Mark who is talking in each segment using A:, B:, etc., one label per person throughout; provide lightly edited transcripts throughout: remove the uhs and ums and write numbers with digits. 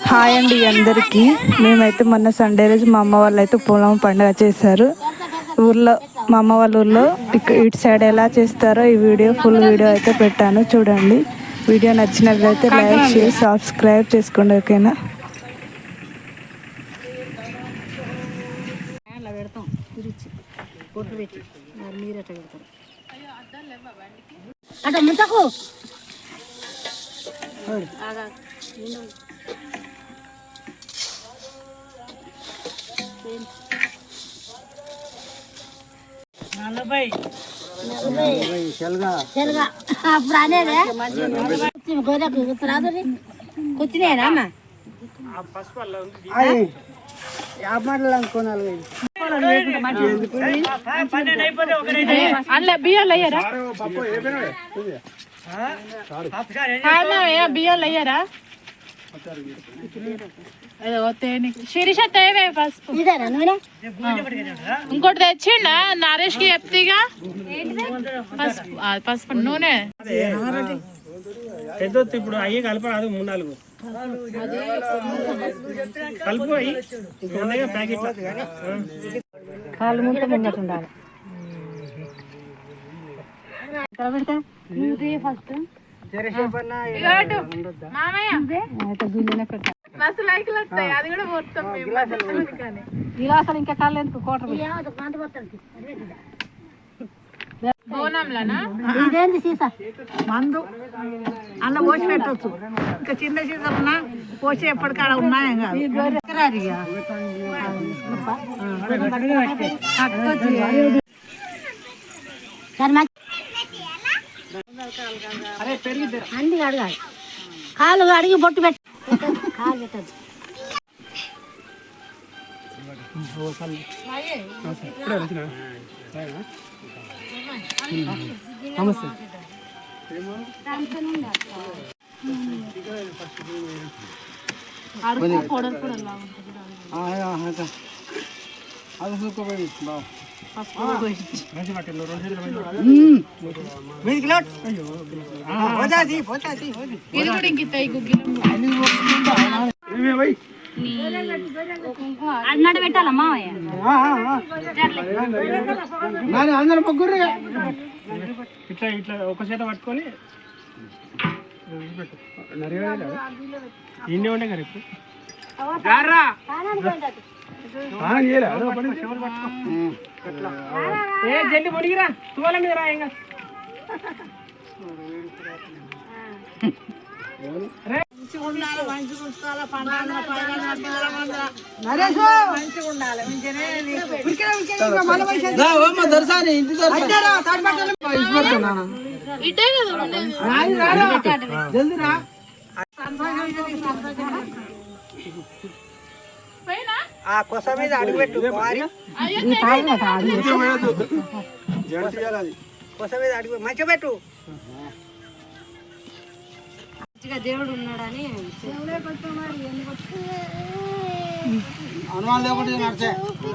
A: Hi అండి అందరికీ. మేమైతే మొన్న సండే రోజు మా అమ్మ వాళ్ళు అయితే పొలం పండుగ చేశారు ఊర్లో. మా అమ్మ వాళ్ళ ఊర్లో ఇటు సైడ్ ఎలా చేస్తారో ఈ ఫుల్ వీడియో అయితే పెట్టాను, చూడండి. వీడియో నచ్చినట్లయితే లైక్ షేర్ సబ్స్క్రైబ్ చేసుకోండి, ఓకేనా.
B: అప్పుడు అనేది గోదకు రాదు కూర్చునేనా
C: అందులో బియ్యాలు అయ్యారా? బియ్యాలు అయ్యారా? శిరీష తేవే పసుపు ఇంకోటి తెచ్చిండా నరేష్ కి చెప్తీగా పసుపు పసుపు నూనె
D: పెద్దొత్తు ఇప్పుడు అయ్యి కలపరాదు 3-4 కలుపు అయ్యి ఇంకా ప్యాకెట్
B: కాళ్ళు ముందు ముంగట ఉండాలి. ఫస్ట్ గిలాసాలు ఇంకా కాళ్ళు ఎందుకు కోట ఇదేంది సీసా మందు అన్న పోసి పెట్టచ్చు. ఇంకా చిన్న సీసా పోసి ఎప్పటికాడ ఉన్నాయా అన్ని అడగాలి. కాలు అడిగి బొట్టు పెట్టి కాలు పెట్టదు. అన్నాడు పెట్టాలమ్మా
D: అందరూ ముగ్గురు ఇట్లా ఇట్లా ఒక చేత పట్టుకొని ఇన్ని ఉండే కదా ఇప్పుడు జల్లి పొడిగిరా తువాల మీద రా. ఇంకా
E: కొస మీద అడుగుపెట్టు కొస మీద అడుగు మంచిగా పెట్టు.
B: దేవుడు ఉన్నాడని
E: అనుమానం లేకుండా నడిచే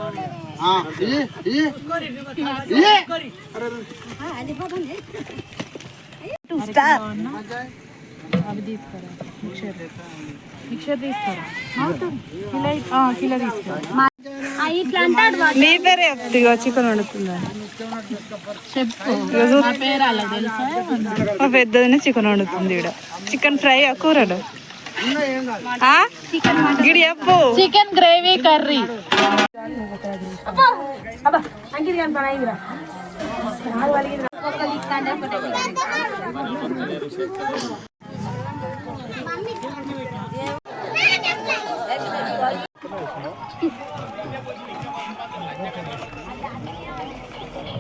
C: అవి తీసుకురా మిక్చర్ తీసుకురా కిలో తీసుకురా.
A: నీ పేరే చెప్తా, చికెన్ వండుతుందా
C: చెప్పు పేరు అలా తెలుసా?
A: మా పెద్దదినే చికెన్ వండుతుంది. ఇక్కడ చికెన్ ఫ్రై కూరడు గిడి చెప్పు.
C: Chicken gravy curry.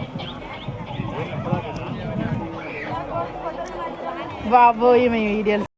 C: బాబోయ్ మేము వీడియోలు